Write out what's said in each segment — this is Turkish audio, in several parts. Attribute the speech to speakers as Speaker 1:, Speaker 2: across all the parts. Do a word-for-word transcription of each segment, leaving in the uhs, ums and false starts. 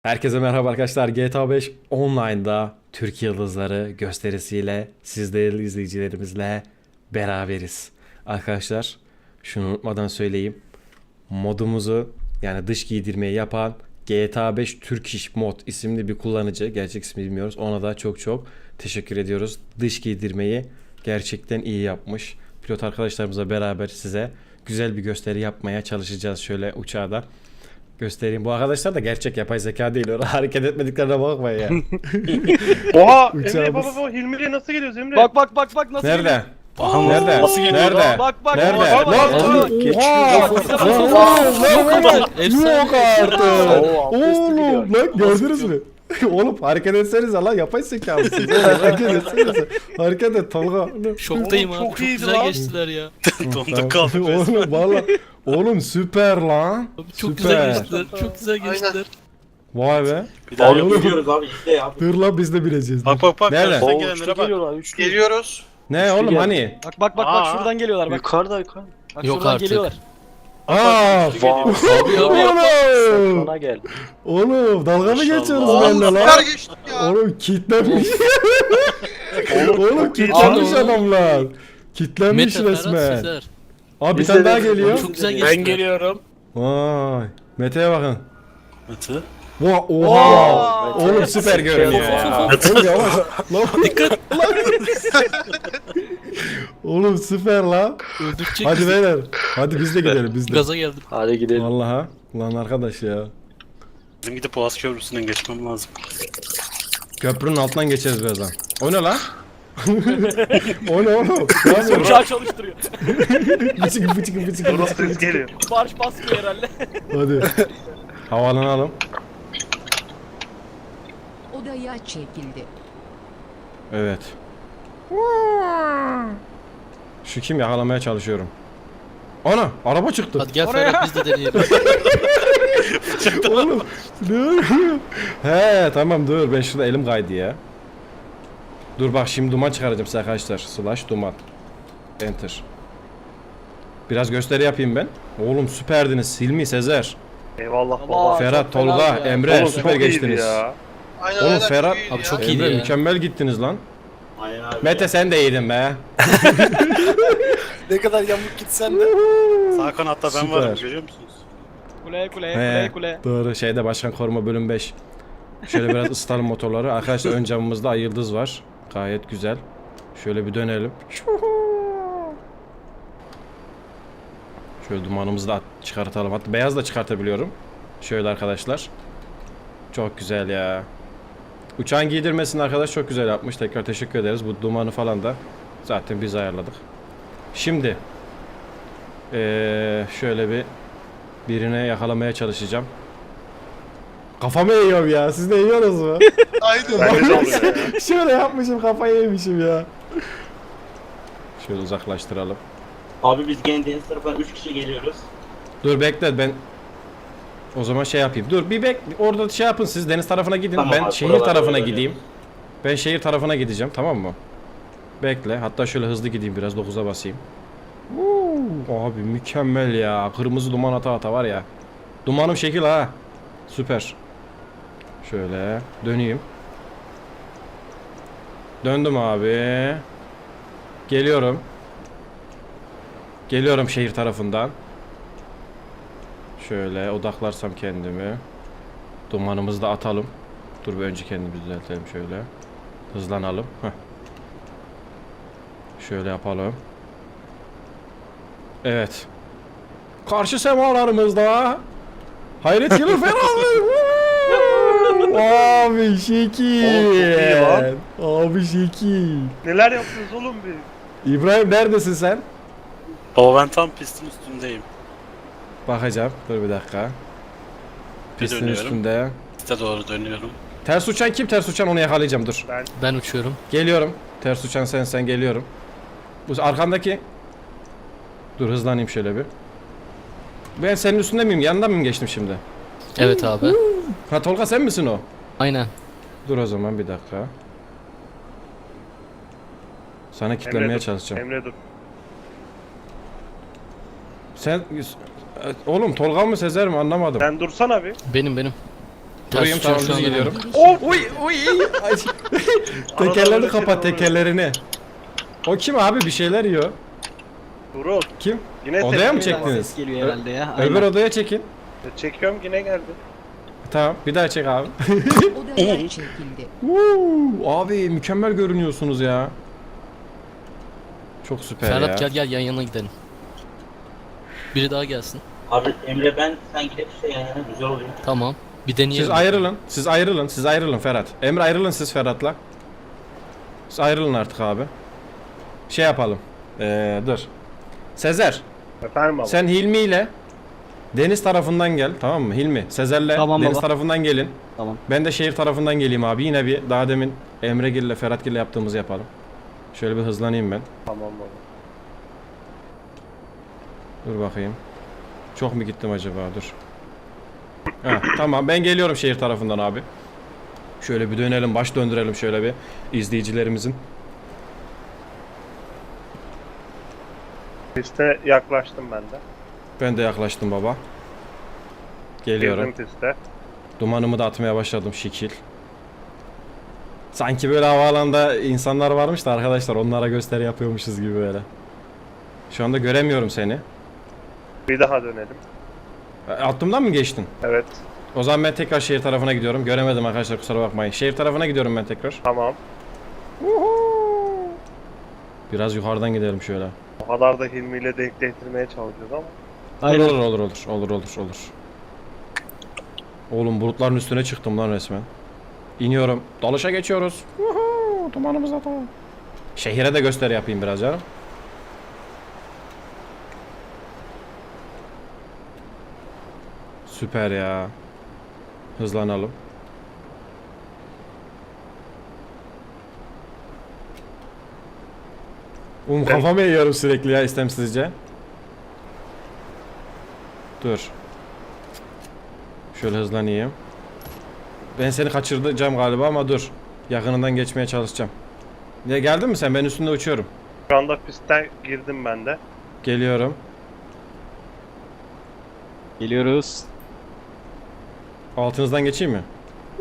Speaker 1: Herkese merhaba arkadaşlar. G T A beş Online'da Türk Yıldızları gösterisiyle siz değerli izleyicilerimizle beraberiz. Arkadaşlar şunu unutmadan söyleyeyim. Modumuzu yani dış giydirmeyi yapan G T A beş Turkish Mod isimli bir kullanıcı. Gerçek ismi bilmiyoruz. Ona da çok çok teşekkür ediyoruz. Dış giydirmeyi gerçekten iyi yapmış. Pilot arkadaşlarımızla beraber size güzel bir gösteri yapmaya çalışacağız şöyle uçağda. Göstereyim. Bu arkadaşlar da gerçek yapay zeka değil. Öyle hareket etmediklerine bakmayın ya.
Speaker 2: Oha!
Speaker 1: Uçağımız.
Speaker 2: Emre baba baba Hilmi'ye nasıl geliyoruz Emre?
Speaker 3: Bak bak bak bak nasıl
Speaker 1: Nerede?
Speaker 3: geliyor?
Speaker 1: Aha, nerede?
Speaker 3: Nasıl geliyor?
Speaker 1: Nerede?
Speaker 3: Bak bak.
Speaker 1: Nerede?
Speaker 3: bak, bak,
Speaker 1: Lan!
Speaker 3: bak,
Speaker 1: Oha!
Speaker 3: bak.
Speaker 1: Yok artık.
Speaker 3: Oo,
Speaker 1: Oğlum lan gördünüz mü? Oğlum hareket etsenize lan yapay zeka mısınız? Hareket etsenize. Hareket et Tolga.
Speaker 4: Şoktayım
Speaker 2: Oğlum,
Speaker 4: abi.
Speaker 2: çok
Speaker 4: Çok
Speaker 2: iyiydi
Speaker 4: güzel
Speaker 2: lan.
Speaker 4: geçtiler ya.
Speaker 1: Donduk kaldık. Oğlum valla. Oğlum süper lan.
Speaker 4: Abi çok
Speaker 1: Süper.
Speaker 4: güzel geçtiler. Çok güzel geçtiler.
Speaker 1: Vay be.
Speaker 5: Bir daha
Speaker 1: Oğlum.
Speaker 5: yok gidiyoruz abi izle ya.
Speaker 1: Dur lan biz de bileceğiz.
Speaker 2: Bak bak bak.
Speaker 1: Nerede?
Speaker 2: karşıdan
Speaker 3: Oo,
Speaker 2: gelenlere
Speaker 3: üçlü
Speaker 2: bak.
Speaker 3: geliyorlar üçlü.
Speaker 5: Geliyoruz.
Speaker 1: Ne oğlum hani?
Speaker 3: Bak bak bak
Speaker 2: Aa.
Speaker 3: bak şuradan geliyorlar bak.
Speaker 5: Yukarıda yukarı.
Speaker 3: Bak
Speaker 4: Yok
Speaker 3: şuradan
Speaker 4: artık.
Speaker 3: geliyorlar.
Speaker 1: Aa.
Speaker 2: Üçlü geliyor.
Speaker 4: Abi abi yapma.
Speaker 1: Oğlum.
Speaker 5: Bana gel.
Speaker 1: Oğlum dalga mı
Speaker 4: Maşallah.
Speaker 1: geçiyorsunuz benimle lan?
Speaker 5: Süper geçtik ya.
Speaker 1: Oğlum kitlenmiş. Oğlum
Speaker 2: çok iyi.
Speaker 1: kitlenmiş
Speaker 4: Abi,
Speaker 1: adamlar. Kitlenmiş
Speaker 4: Mete, Ferhat,
Speaker 1: resmen.
Speaker 4: Sezer.
Speaker 1: Abi bir
Speaker 5: Biz
Speaker 1: tane
Speaker 5: de
Speaker 1: daha
Speaker 5: de-
Speaker 1: geliyor.
Speaker 4: Çok güzel geçtiler.
Speaker 5: Ben geliyorum.
Speaker 1: Vay. Mete'ye bakın.
Speaker 5: Mete.
Speaker 1: Vay oha.
Speaker 3: Oo.
Speaker 1: Oğlum süper görünüyor ya. Oğlum yavaş. Lan.
Speaker 4: Dikkat.
Speaker 1: Oğlum süper lan.
Speaker 4: Öldürecek
Speaker 1: Hadi
Speaker 4: bizi.
Speaker 1: beyler. Hadi biz de gidelim biz de.
Speaker 4: Gaza geldim.
Speaker 5: Hadi gidelim.
Speaker 1: Vallahi. Lan arkadaş ya.
Speaker 6: Bizim gidip Boğaz Köprüsü'nden geçmem lazım.
Speaker 1: Köprünün altından geçeriz birazdan. O ne lan? O ne oğlum? Ne yapıyorsun?
Speaker 3: Uçağı çalıştırıyor.
Speaker 1: Bıçık bıçık bıçık
Speaker 2: Burası
Speaker 1: bıçık.
Speaker 2: ses geliyor.
Speaker 3: Marş basmıyor herhalde.
Speaker 1: Hadi. Havalanalım.
Speaker 7: Odaya çekildi.
Speaker 1: Evet. Şu kim yakalamaya çalışıyorum. Ana araba çıktı.
Speaker 4: Hadi gel
Speaker 3: Oraya.
Speaker 4: Ferhat biz de deneyelim.
Speaker 1: Oğlum dur. He tamam dur ben şurada elim kaydı ya. Dur bak şimdi duman çıkaracağım size arkadaşlar. Slash duman. Enter. Biraz gösteri yapayım ben. Oğlum süperdiniz Hilmi, Sezer,
Speaker 2: Eyvallah
Speaker 3: Ama-
Speaker 2: baba.
Speaker 1: Ferhat,
Speaker 3: çok fena
Speaker 1: Tolga,
Speaker 3: ya.
Speaker 1: Emre
Speaker 2: Oğlum,
Speaker 1: süper
Speaker 2: çok iyiydi
Speaker 1: geçtiniz.
Speaker 2: ya.
Speaker 5: Aynen
Speaker 1: Oğlum
Speaker 5: aynen,
Speaker 1: Ferhat-
Speaker 5: iyiydi
Speaker 4: Abi
Speaker 5: ya.
Speaker 4: çok iyiydi
Speaker 1: Emre
Speaker 4: ya.
Speaker 1: mükemmel gittiniz lan.
Speaker 5: Aynen abi.
Speaker 1: Mete sen de iyiydin be.
Speaker 5: ne kadar yamuk gitsen de.
Speaker 6: Sağ kanatta ben
Speaker 1: Süper.
Speaker 6: varım görüyor musunuz?
Speaker 3: Kule kule
Speaker 1: He,
Speaker 3: kule kule.
Speaker 1: doğru şeyde başkan koruma bölüm beş. Şöyle biraz ısıtalım motorları. Arkadaşlar ön camımızda ay yıldız var. Gayet güzel. Şöyle bir dönelim. Şöyle dumanımızı da at- çıkartalım. Hatta beyaz da çıkartabiliyorum. Şöyle arkadaşlar. Çok güzel ya. Uçağın giydirmesini arkadaş çok güzel yapmış. Tekrar teşekkür ederiz. Bu dumanı falan da zaten biz ayarladık. Şimdi ee, şöyle bir birine yakalamaya çalışacağım. Kafamı yiyorum ya. Siz de yiyorsunuz mu?
Speaker 5: Aynen.
Speaker 2: Bence de oluyor ya.
Speaker 1: Şöyle yapmışım kafayı yemişim ya. Şöyle uzaklaştıralım.
Speaker 5: Abi biz gene deniz tarafından üç kişi geliyoruz.
Speaker 1: Dur bekle ben o zaman şey yapayım. Dur bir bek orada şey yapın siz deniz tarafına gidin.
Speaker 5: Tamam
Speaker 1: ben
Speaker 5: abi,
Speaker 1: şehir
Speaker 5: buralarda
Speaker 1: tarafına
Speaker 5: öyle
Speaker 1: gideyim. Ben şehir tarafına gideceğim tamam mı? Bekle hatta şöyle hızlı gideyim biraz dokuza basayım. Uuu, abi mükemmel ya. Kırmızı duman ata ata var ya. Dumanım şekil ha. Süper. Şöyle döneyim. Döndüm abi. Geliyorum. Geliyorum şehir tarafından. Şöyle odaklarsam kendimi. Dumanımızı da atalım. Dur bir önce kendimizi düzeltelim şöyle. Hızlanalım. Heh. Şöyle yapalım. Evet. Karşı semalarımızda Hayret Yılı Ferhat. Abi şekil.
Speaker 2: Oğlum çok iyi lan.
Speaker 1: Abi şekil.
Speaker 2: Neler yapıyoruz oğlum biz?
Speaker 1: İbrahim neredesin sen?
Speaker 6: Baba ben tam pistin üstündeyim.
Speaker 1: Bakacağım. Dur bir dakika. Pistin
Speaker 6: dönüyorum.
Speaker 1: üstünde.
Speaker 6: Piste doğru dönüyorum.
Speaker 1: Ters uçan kim? Ters uçan onu yakalayacağım dur.
Speaker 2: Ben
Speaker 4: Ben uçuyorum.
Speaker 1: Geliyorum. Ters uçan sen sen geliyorum. Bu arkandaki. Dur hızlanayım şöyle bir. Ben senin üstünde miyim? Yanından mı geçtim şimdi?
Speaker 4: Evet abi.
Speaker 1: Ha Tolga sen misin o?
Speaker 4: Aynen.
Speaker 1: Dur o zaman bir dakika. Sana kilitlemeye
Speaker 2: Emre dur.
Speaker 1: çalışacağım.
Speaker 2: Emre dur.
Speaker 1: Sen oğlum Tolga mı Sezer mi anlamadım.
Speaker 2: Sen dursana bir.
Speaker 4: Benim benim.
Speaker 1: Durayım
Speaker 4: tutar
Speaker 1: tamam
Speaker 4: şu
Speaker 1: düz
Speaker 4: anda
Speaker 1: gidiyorum.
Speaker 7: benim.
Speaker 1: Oh, uy uy. Ay. Tekerlerini
Speaker 2: Arada
Speaker 1: kapat
Speaker 2: böyle
Speaker 1: tekerlerini. O kim abi bir şeyler yiyor.
Speaker 2: Durul.
Speaker 1: Kim?
Speaker 2: Yine
Speaker 1: Odaya mı
Speaker 2: tepki
Speaker 1: çektiniz?
Speaker 3: Ses geliyor herhalde ya.
Speaker 1: Öbür
Speaker 3: Aynen.
Speaker 1: odaya çekin.
Speaker 2: Çekiyorum yine geldi.
Speaker 1: Tamam bir daha çek abi.
Speaker 7: Odaya çekildi.
Speaker 1: Woo, abi mükemmel görünüyorsunuz ya. Çok süper
Speaker 4: Ferhat
Speaker 1: ya.
Speaker 4: gel gel yan yana gidelim. Biri daha gelsin.
Speaker 8: Abi Emre ben sen gidip işte yan yana güzel oluyor.
Speaker 4: Tamam. Bir deneyelim.
Speaker 1: Siz ayrılın. Siz ayrılın. Siz ayrılın Ferhat. Emre ayrılın siz Ferhat'la. Siz ayrılın artık abi. Şey yapalım. Ee, dur. Sezer.
Speaker 2: Efendim baba.
Speaker 1: Sen Hilmi ile deniz tarafından gel. Tamam mı? Hilmi. Sezer'le
Speaker 3: Tamam
Speaker 1: deniz
Speaker 3: baba.
Speaker 1: tarafından gelin.
Speaker 3: Tamam.
Speaker 1: Ben de şehir tarafından geleyim abi. Yine bir daha demin Emregil ile Ferhatgil ile yaptığımızı yapalım. Şöyle bir hızlanayım ben.
Speaker 2: Tamam baba.
Speaker 1: Dur bakayım. Çok mu gittim acaba? Dur. Ha, tamam ben geliyorum şehir tarafından abi. Şöyle bir dönelim, baş döndürelim şöyle bir izleyicilerimizin.
Speaker 2: Piste yaklaştım ben de.
Speaker 1: Ben de yaklaştım baba. Geliyorum.
Speaker 2: Girdim piste.
Speaker 1: Dumanımı da atmaya başladım şekil. Sanki böyle havaalanında insanlar varmış da arkadaşlar onlara gösteri yapıyormuşuz gibi böyle. Şu anda göremiyorum seni.
Speaker 2: Bir daha dönelim.
Speaker 1: Altımdan mı geçtin?
Speaker 2: Evet.
Speaker 1: O zaman ben tekrar şehir tarafına gidiyorum. Göremedim arkadaşlar kusura bakmayın. Şehir tarafına gidiyorum ben tekrar.
Speaker 2: Tamam.
Speaker 1: Biraz yukarıdan gidelim şöyle.
Speaker 2: O kadar da Hilmi ile denk getirmeye çalışıyoruz ama.
Speaker 3: Aynen.
Speaker 1: Olur olur olur olur olur olur. Oğlum bulutların üstüne çıktım lan resmen. İniyorum. Dalışa geçiyoruz. Uhu, dumanımız da tamam. Şehire de gösteri yapayım biraz ya. Süper ya. Hızlanalım. Um kafamı yiyorum sürekli ya istemsizce. Dur. Şöyle hızlanayım. Ben seni kaçıracağım galiba ama dur. Yakınından geçmeye çalışacağım. Ya geldin mi sen? Ben üstünde uçuyorum.
Speaker 2: Şu anda pistten girdim ben de.
Speaker 1: Geliyorum.
Speaker 3: Geliyoruz.
Speaker 1: Altınızdan geçeyim mi?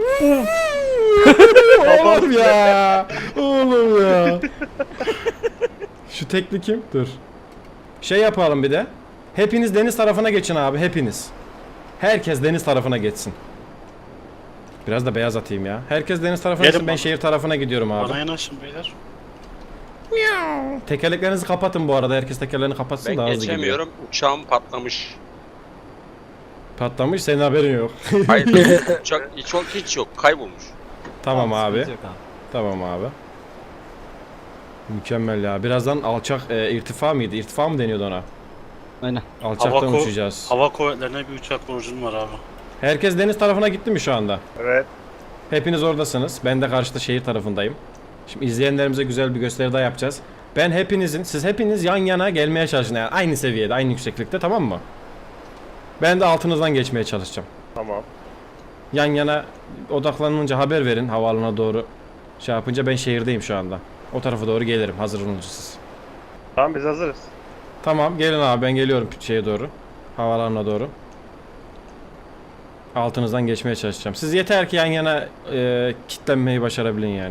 Speaker 1: Oğlum ya. Oğlum ya. Şu tekli kim? Dur. Şey yapalım bir de. Hepiniz deniz tarafına geçin abi. Hepiniz. Herkes deniz tarafına geçsin. Biraz da beyaz atayım ya. Herkes deniz tarafına
Speaker 6: Gelin
Speaker 1: geçsin. Ben
Speaker 6: bana.
Speaker 1: şehir tarafına gidiyorum abi.
Speaker 6: Bana yanaşın beyler.
Speaker 1: Tekerleklerinizi kapatın bu arada. Herkes tekerlerini kapatsın
Speaker 9: Ben
Speaker 1: daha hızlı gidiyor.
Speaker 9: geçemiyorum. Uçağım patlamış.
Speaker 1: Patlamış. Senin haberin yok.
Speaker 9: Hayır. Uçak hiç yok, hiç yok. Kaybolmuş.
Speaker 1: Tamam abi.
Speaker 3: Sıkıntı yok abi.
Speaker 1: Tamam abi. Mükemmel ya. Birazdan alçak e, irtifa mıydı? İrtifa mı deniyordu ona?
Speaker 3: Aynen.
Speaker 1: Alçaktan
Speaker 6: Hava, ko-
Speaker 1: uçacağız.
Speaker 6: hava kuvvetlerine bir uçak borcum var abi.
Speaker 1: Herkes deniz tarafına gitti mi şu anda?
Speaker 2: Evet.
Speaker 1: Hepiniz oradasınız. Ben de karşıda şehir tarafındayım. Şimdi izleyenlerimize güzel bir gösteri daha yapacağız. Ben hepinizin, siz hepiniz yan yana gelmeye çalışın. Yani aynı seviyede, aynı yükseklikte, tamam mı? Ben de altınızdan geçmeye çalışacağım.
Speaker 2: Tamam.
Speaker 1: Yan yana odaklanınca haber verin havaalanına doğru. Şey yapınca ben şehirdeyim şu anda. O tarafa doğru gelirim. Hazır olunca siz.
Speaker 2: Tamam biz hazırız.
Speaker 1: Tamam gelin abi ben geliyorum şeye doğru. Havaalanına doğru. Altınızdan geçmeye çalışacağım. Siz yeter ki yan yana e, kitlenmeyi başarabilin yani.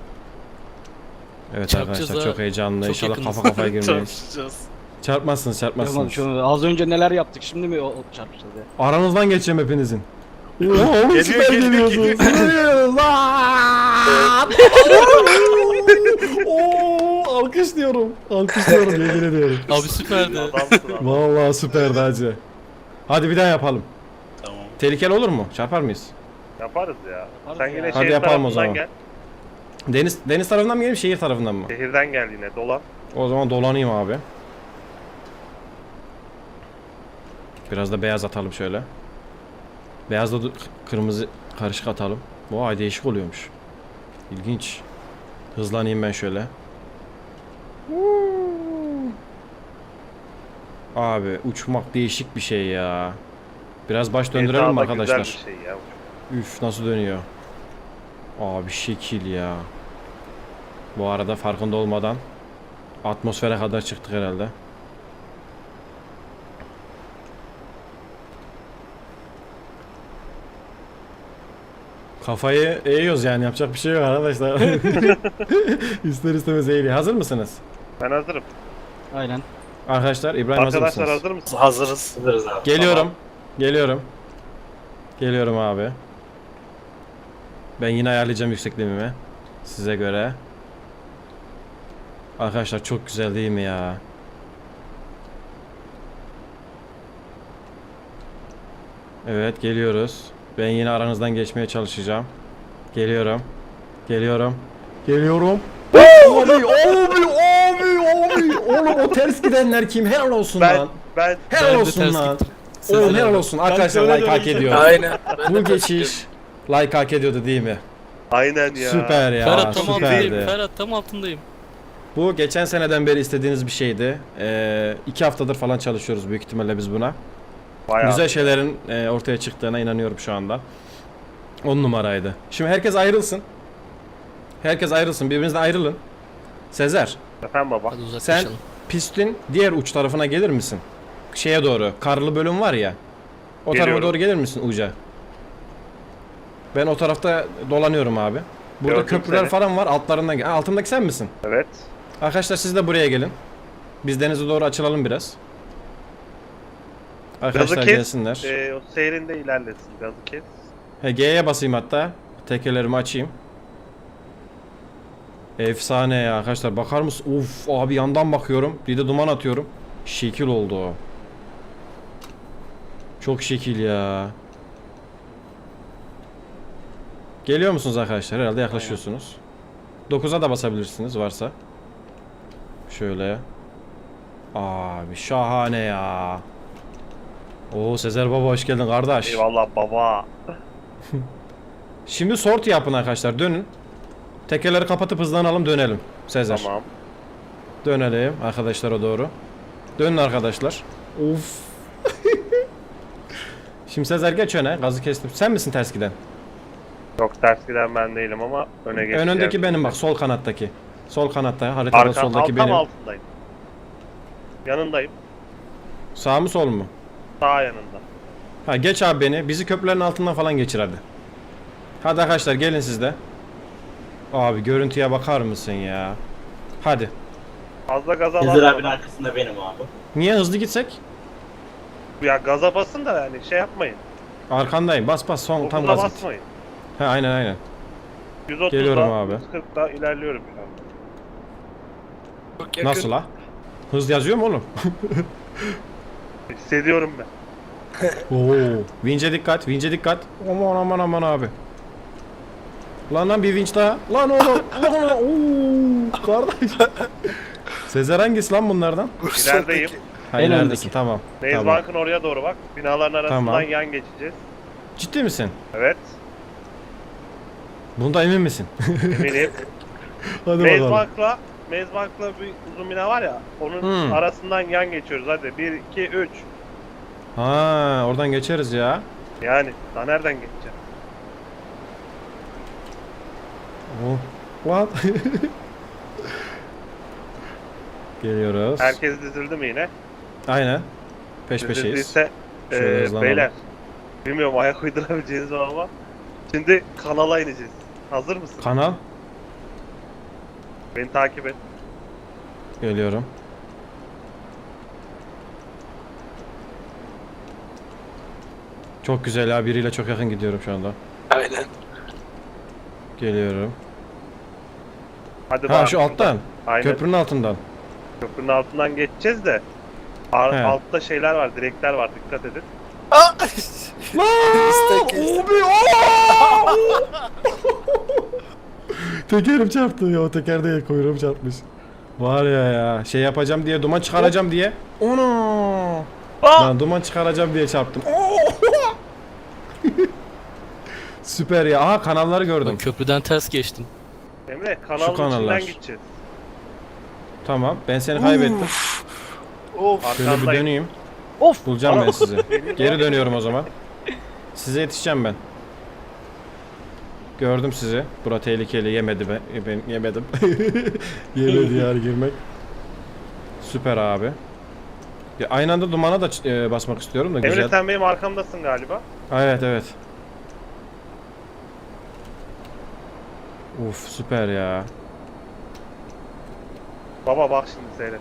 Speaker 1: Evet
Speaker 4: Çarpacağız
Speaker 1: arkadaşlar
Speaker 4: ha.
Speaker 1: çok heyecanlı.
Speaker 4: Çok
Speaker 1: İnşallah
Speaker 4: yakınız.
Speaker 1: kafa kafaya girmeyiz.
Speaker 6: Çarpışacağız.
Speaker 1: Çarpmazsınız
Speaker 3: Tamam,
Speaker 1: çarpmazsınız.
Speaker 3: şu, az önce neler yaptık şimdi mi o, o çarpışacağız ya?
Speaker 1: Aranızdan geçeceğim hepinizin. Oğlum
Speaker 6: Geliyor,
Speaker 1: süper
Speaker 6: geliyor,
Speaker 1: geliyorsunuz. Geliyoruz lan. Oo, alkışlıyorum. Alkışlıyorum yemin ediyorum.
Speaker 4: Abi süperdi.
Speaker 2: Adamsın abi.
Speaker 1: Vallahi süperdi hacı. Hadi bir daha yapalım.
Speaker 6: Tamam.
Speaker 1: Tehlikeli olur mu? Çarpar mıyız?
Speaker 2: Yaparız ya.
Speaker 3: Yaparız
Speaker 2: Sen
Speaker 3: ya.
Speaker 2: yine
Speaker 1: Hadi
Speaker 2: şehir
Speaker 1: yapalım o
Speaker 2: tarafından
Speaker 1: zaman.
Speaker 2: gel.
Speaker 1: Deniz deniz tarafından mı geleyim şehir tarafından mı?
Speaker 2: Şehirden gel yine dolan.
Speaker 1: O zaman dolanayım abi. Biraz da beyaz atalım şöyle. Beyazla da kırmızı karışık atalım. Vay değişik oluyormuş. İlginç. Hızlanayım ben şöyle. Abi uçmak değişik bir şey ya. Biraz baş döndürelim mi
Speaker 2: G T A'da
Speaker 1: arkadaşlar?
Speaker 2: Güzel bir şey ya.
Speaker 1: Üf nasıl dönüyor. Abi şekil ya. Bu arada farkında olmadan atmosfere kadar çıktık herhalde. Kafayı eğiyoruz yani, yapacak bir şey yok arkadaşlar. İster istemez eğiliyor. Hazır mısınız?
Speaker 2: Ben hazırım.
Speaker 3: Aynen.
Speaker 1: Arkadaşlar İbrahim hazır
Speaker 2: Arkadaşlar
Speaker 1: mısınız?
Speaker 2: hazır mısınız?
Speaker 6: Hazırız.
Speaker 8: Hazırız abi.
Speaker 1: Geliyorum. Geliyorum. Geliyorum abi. Ben yine ayarlayacağım yüksekliğimi size göre. Arkadaşlar çok güzel değil mi ya? Evet, geliyoruz. Ben yine aranızdan geçmeye çalışacağım. Geliyorum. Geliyorum. Geliyorum. Abi, abi, abi, abi. Oğlum o ters gidenler kim? Helal olsun
Speaker 2: Ben
Speaker 1: lan.
Speaker 2: ben
Speaker 1: Helal
Speaker 4: Ben de
Speaker 1: olsun
Speaker 4: ters
Speaker 1: lan.
Speaker 4: gittim.
Speaker 1: Oğlum
Speaker 4: Sezer
Speaker 1: helal
Speaker 4: abi.
Speaker 1: olsun. Arkadaşlar
Speaker 5: öyle
Speaker 1: like hak
Speaker 5: döneceğim.
Speaker 1: ediyor.
Speaker 5: Aynen.
Speaker 1: Bu geçiş like hak ediyordu değil mi?
Speaker 2: aynen ya.
Speaker 1: Süper ya.
Speaker 4: Ferhat tam altındayım.
Speaker 1: Süperdi.
Speaker 4: Ferhat tam altındayım.
Speaker 1: Bu geçen seneden beri istediğiniz bir şeydi. Ee, iki haftadır falan çalışıyoruz büyük ihtimalle biz buna.
Speaker 2: Bayağı.
Speaker 1: Güzel şeylerin e, ortaya çıktığına inanıyorum şu anda. On numaraydı. Şimdi herkes ayrılsın. Herkes ayrılsın. Birbirinizden ayrılın. Sezer,
Speaker 2: Efendim baba.
Speaker 4: Hadi uzaklaşalım.
Speaker 1: pistin diğer uç tarafına gelir misin? Şeye doğru. Karlı bölüm var ya. O tarafa
Speaker 2: Geliyorum.
Speaker 1: doğru gelir misin uca? Ben o tarafta dolanıyorum abi. Burada
Speaker 2: Gördüm
Speaker 1: köprüler
Speaker 2: seni.
Speaker 1: falan var. Altlarından gel. Ha, altındaki sen misin?
Speaker 2: Evet.
Speaker 1: Arkadaşlar siz de buraya gelin. Biz denize doğru açılalım biraz. Arkadaşlar
Speaker 2: Gazı kes.
Speaker 1: gelsinler.
Speaker 2: Ee, o seyrinde ilerlesin. Gazı kes.
Speaker 1: He, G'ye basayım hatta. Tekerlerimi açayım. Efsane ya arkadaşlar, bakar mısın? Uf abi, yandan bakıyorum. Bir de duman atıyorum. Şekil oldu o. Çok şekil ya. Geliyor musunuz arkadaşlar? Herhalde yaklaşıyorsunuz. dokuza da basabilirsiniz varsa. Şöyle. Abi şahane ya. Oo Sezer baba, hoş geldin kardeş.
Speaker 2: Eyvallah baba.
Speaker 1: Şimdi sort yapın arkadaşlar, dönün. Tekerleri kapatıp hızlanalım, dönelim. Sezer.
Speaker 2: Tamam.
Speaker 1: Dönelim arkadaşlara doğru. Dönün arkadaşlar. Of. Şimdi Sezer geç öne, gazı kestim. Sen misin ters giden?
Speaker 2: Çok ters giden ben değilim ama öne geçeceğim.
Speaker 1: Önündeki benim bak, sol kanattaki. Sol kanatta, haritada
Speaker 2: Arka,
Speaker 1: soldaki
Speaker 2: tam
Speaker 1: benim.
Speaker 2: altındayım. Yanındayım.
Speaker 1: Sağ mı sol mu?
Speaker 2: Sağ yanında.
Speaker 1: Ha, geç abi beni. Bizi köprülerin altından falan geçir hadi. Hadi arkadaşlar gelin siz de. Abi görüntüye bakar mısın ya? Hadi.
Speaker 2: Fazla gaza
Speaker 8: Sezer abinin
Speaker 2: basma.
Speaker 8: arkasında benim abi.
Speaker 1: Niye hızlı gitsek?
Speaker 2: Ya gaza basın da yani şey yapmayın.
Speaker 1: Arkandayım. Bas bas, son tam
Speaker 2: Dokuza
Speaker 1: gaz git.
Speaker 2: basmayın.
Speaker 1: Ha, aynen aynen.
Speaker 2: yüz otuzda,
Speaker 1: Geliyorum abi.
Speaker 2: yüz kırkta ilerliyorum şu an.
Speaker 5: Çok yakın.
Speaker 1: Nasıl la? Hız yazıyor mu oğlum?
Speaker 2: Hissediyorum ben.
Speaker 1: Oo. Vinç'e dikkat, vinç'e dikkat. Aman aman aman abi. Lan lan bir vinç daha. Lan oğlum. Lan lan. Oo, kardeş. Sezer hangisi lan bunlardan?
Speaker 2: İlerideyim.
Speaker 1: Ha,
Speaker 3: En
Speaker 1: ileridesin,
Speaker 3: öndeki.
Speaker 1: tamam.
Speaker 2: Maze
Speaker 1: Tamam.
Speaker 2: Bank'ın oraya doğru bak. Binaların arasından
Speaker 1: Tamam.
Speaker 2: yan geçeceğiz.
Speaker 1: Ciddi misin?
Speaker 2: Evet.
Speaker 1: Bunda emin misin?
Speaker 2: Eminim.
Speaker 1: Hadi
Speaker 2: Maze
Speaker 1: bakalım.
Speaker 2: Bank'la Maze Bank'la bir uzun bina var ya. Onun
Speaker 1: Hmm.
Speaker 2: arasından yan geçiyoruz hadi. bir, iki, üç.
Speaker 1: Ha, oradan geçeriz ya.
Speaker 2: Yani daha nereden geçeceğim?
Speaker 1: Oh. What? Geliyoruz.
Speaker 2: Herkes dizildi mi yine?
Speaker 1: Aynen. Peş peşeyiz.
Speaker 2: Dizildiyse
Speaker 1: Şöyle
Speaker 2: e,
Speaker 1: hızlanalım.
Speaker 2: beyler. Bilmiyorum ayak uydurabileceğiniz var ama. Şimdi kanala ineceğiz. Hazır mısın?
Speaker 1: Kanal.
Speaker 2: Beni takip et.
Speaker 1: Geliyorum. Çok güzel ya, biriyle çok yakın gidiyorum şu anda.
Speaker 5: Aynen.
Speaker 1: Geliyorum.
Speaker 2: Hadi
Speaker 1: Ha,
Speaker 2: bakalım.
Speaker 1: şu alttan.
Speaker 2: Aynen.
Speaker 1: Köprünün altından.
Speaker 2: Köprünün altından geçeceğiz de. Ar-
Speaker 1: He.
Speaker 2: altta şeyler var, direkler var. Dikkat edin.
Speaker 5: Kestik, kestik.
Speaker 1: Tekerim çarptı ya, teker değil, kuyruğum çarpmış. Var ya ya, şey yapacağım diye, duman çıkaracağım diye. Ono. Lan duman çıkaracağım diye çarptım. Süper ya. Aha, kanalları
Speaker 4: Ben
Speaker 1: gördüm.
Speaker 4: köprüden ters geçtim.
Speaker 2: Emre kanalın
Speaker 1: kanallar.
Speaker 2: içinden gideceğiz.
Speaker 1: Tamam, ben seni kaybettim.
Speaker 5: Of.
Speaker 1: Şöyle bir
Speaker 2: Arkandayım.
Speaker 1: döneyim.
Speaker 3: Of.
Speaker 1: Bulacağım ben sizi.
Speaker 2: Benim
Speaker 1: Geri
Speaker 2: var.
Speaker 1: dönüyorum o zaman. Size yetişeceğim ben. Gördüm sizi. Bura tehlikeli, yemedi be. Ben yemedim. Yemedi yani girmek. Süper abi. Ya aynı anda dumana da e, basmak istiyorum da
Speaker 2: Emre
Speaker 1: güzel.
Speaker 2: sen benim arkamdasın galiba.
Speaker 1: Evet evet. Uf süper ya.
Speaker 2: Baba bak şimdi seyret.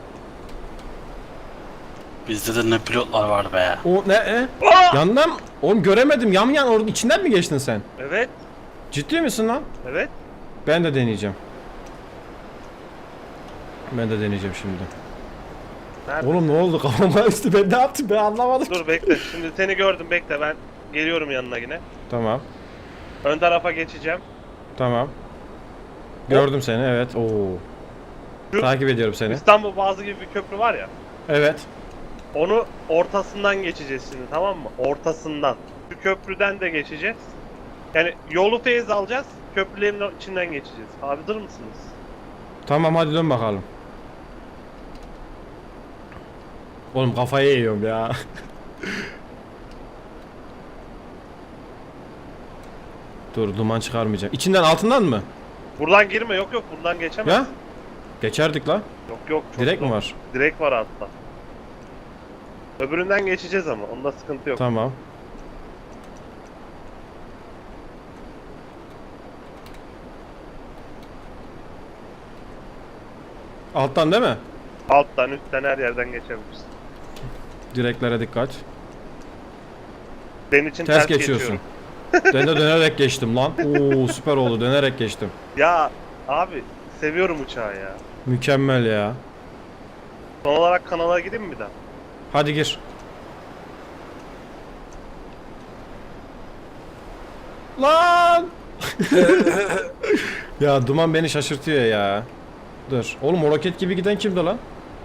Speaker 6: Bizde de ne pilotlar var be.
Speaker 1: O ne? E? Yandan mı? Oğlum göremedim. Yan yan orada içinden mi geçtin sen?
Speaker 2: Evet.
Speaker 1: Ciddi misin lan?
Speaker 2: Evet.
Speaker 1: Ben de deneyeceğim. Ben de deneyeceğim şimdi.
Speaker 2: Nerede?
Speaker 1: Oğlum ne oldu kafama üstü ben ne yaptım ben anlamadım.
Speaker 2: Dur bekle. Şimdi seni gördüm bekle ben geliyorum yanına yine.
Speaker 1: Tamam.
Speaker 2: Ön tarafa geçeceğim.
Speaker 1: Tamam. Gördüm seni evet. Oo.
Speaker 2: Şu-
Speaker 1: Takip ediyorum seni.
Speaker 2: İstanbul Boğazı gibi bir köprü var ya.
Speaker 1: Evet.
Speaker 2: Onu ortasından geçeceğiz şimdi tamam mı? Ortasından. Şu köprüden de geçeceğiz. Yani yolu feyiz alacağız. Köprülerin içinden geçeceğiz. Hazır mısınız?
Speaker 1: Tamam hadi dön bakalım. Oğlum kafayı yiyorum ya. Dur duman çıkarmayacağım. İçinden altından mı?
Speaker 2: Buradan girme yok yok buradan geçemez.
Speaker 1: Ya? Geçerdik la.
Speaker 2: Yok yok. çok
Speaker 1: Direkt mi
Speaker 2: zor.
Speaker 1: var?
Speaker 2: Direkt var altta. Öbüründen geçeceğiz ama onda sıkıntı yok.
Speaker 1: Tamam. Alttan değil mi?
Speaker 2: Alttan üstten her yerden geçebiliriz.
Speaker 1: Direklere dikkat.
Speaker 2: Senin için
Speaker 1: Ters
Speaker 2: ters,
Speaker 1: geçiyorsun.
Speaker 2: geçiyorum.
Speaker 1: Ben de dönerek geçtim lan. Oo süper oldu dönerek geçtim.
Speaker 2: Ya abi seviyorum uçağı ya.
Speaker 1: Mükemmel ya.
Speaker 2: Son olarak kanala gideyim mi bir daha?
Speaker 1: Hadi gir. Lan! Ya duman beni şaşırtıyor ya. Dur. Oğlum o roket gibi giden kimdi lan?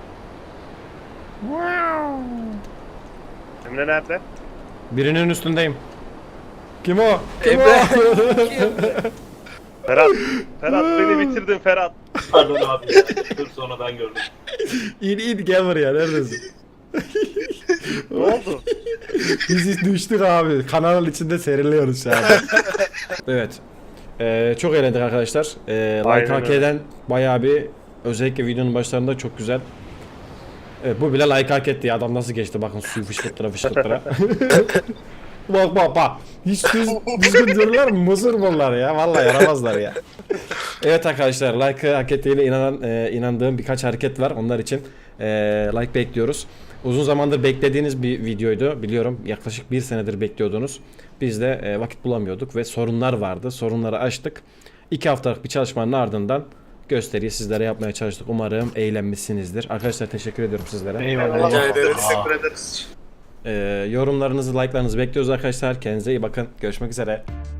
Speaker 2: Emre nerede?
Speaker 1: Birinin üstündeyim. Kim o? Kim
Speaker 5: Emre.
Speaker 2: Ferhat. Ferhat beni bitirdin Ferhat.
Speaker 8: Pardon abi ya. Dur sonradan gördüm.
Speaker 1: o? İn in gel buraya neredesin?
Speaker 2: Ne oldu?
Speaker 1: Biz düştük abi. Kanalın içinde seriliyoruz şu an. Evet. Ee, çok eğlendik arkadaşlar. Ee, like
Speaker 2: Aynen
Speaker 1: hak
Speaker 2: öyle.
Speaker 1: eden bayağı bir özellikle videonun başlarında çok güzel. Evet bu bile like hak etti ya. Adam nasıl geçti bakın suyu fışkırttıra fışkırttıra. Bak bak bak. Hiç düz, düzgün dururlar mı? Muzur bunlar ya. Vallahi yaramazlar ya. Evet arkadaşlar like hak ettiğine inanan, e, inandığım birkaç hareket var. Onlar için e, like bekliyoruz. Uzun zamandır beklediğiniz bir videoydu. Biliyorum yaklaşık bir senedir bekliyordunuz. Biz de e, vakit bulamıyorduk ve sorunlar vardı. Sorunları aştık. İki haftalık bir çalışmanın ardından gösteriyi sizlere yapmaya çalıştık. Umarım eğlenmişsinizdir. Arkadaşlar teşekkür ediyorum sizlere.
Speaker 3: Eyvallah.
Speaker 5: Rica ederiz.
Speaker 2: Teşekkür ederiz.
Speaker 1: E, yorumlarınızı, like'larınızı bekliyoruz arkadaşlar. Kendinize iyi bakın. Görüşmek üzere.